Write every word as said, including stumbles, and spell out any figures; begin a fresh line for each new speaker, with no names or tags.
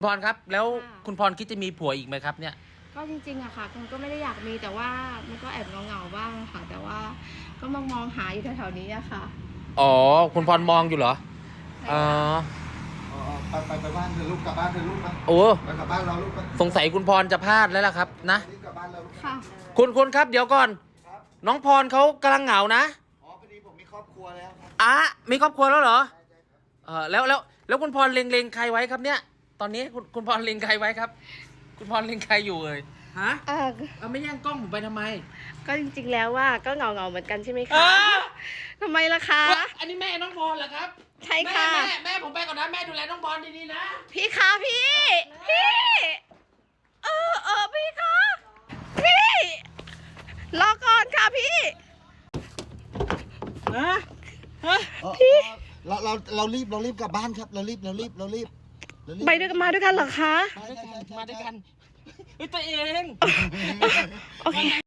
พรครับแล้ว
ค่ะ
คุณพรคิดจะมีผัวอีกไหมครับเนี่ย
ก็จริงๆอะค่ะคุณก็ไม่ได้อยากมีแต่ว่ามันก็แอบเหงาๆบ้างค่ะ แต่ว่าก็มองมองหาอยู่แถวๆนี้อะค่ะ
อ๋อคุณพรมองอยู่เหรอ
ใช่
อ๋อ
ค่ะ
อ๋อไปไปไปบ้านเธอลูกกลับบ้านเธอลูกไป
โอ้
ไปกลับบ้านเราลูกไป
สงสัยคุณพรจะพลาดแล้วล่ะครับนะ
รีบกลับบ้านเราลูก
ค่ะ
คุณคุณครับเดี๋ยวก่อน
ครับ
น้องพรเขากำลังเหงานะ
อ๋อพอดีผมมีครอบครัวแล้วครับ
อ่ะมีครอบครัวแล้วเหรอ
ใช่ใช่ครับ
เออแล้วแล้วแล้วคุณพรเล็งเล็งใครไว้ครับเนี่ย ตอนนี้คุณคุณพรเล็งใครไว้ครับ คุณพรเล็งใครอยู่เลยฮะ
เออ
เอาไม่แย่งกล้องผมไปทำไม
ก็จริงๆแล้วว่าก็เหงาๆเหมือนกันใช่ไหม
เอ
คะ
อ
ทำไมล่ะคะ
อันนี้แม่น้องพรเหรอครับ
ใช่ค่ะ
แม่แม่แม่ผมไปก่อนนะแม่ดูแลน้องพรดีๆนะ
พี่คะพี่ พี่ เออเออพี่คะ พี่ รอก่อนค่ะพี่
ฮะฮะ
อ๋อเราเราเรารีบเรารีบกลับบ้านครับเรารีบเรารีบเรารีบเรารีบ
ไปด้วยกันมาด้วยกันเหรอคะ
ใช่ใช่ใช่ใช่
มาด้วยกันเฮ้ยตัวเอง
โอเค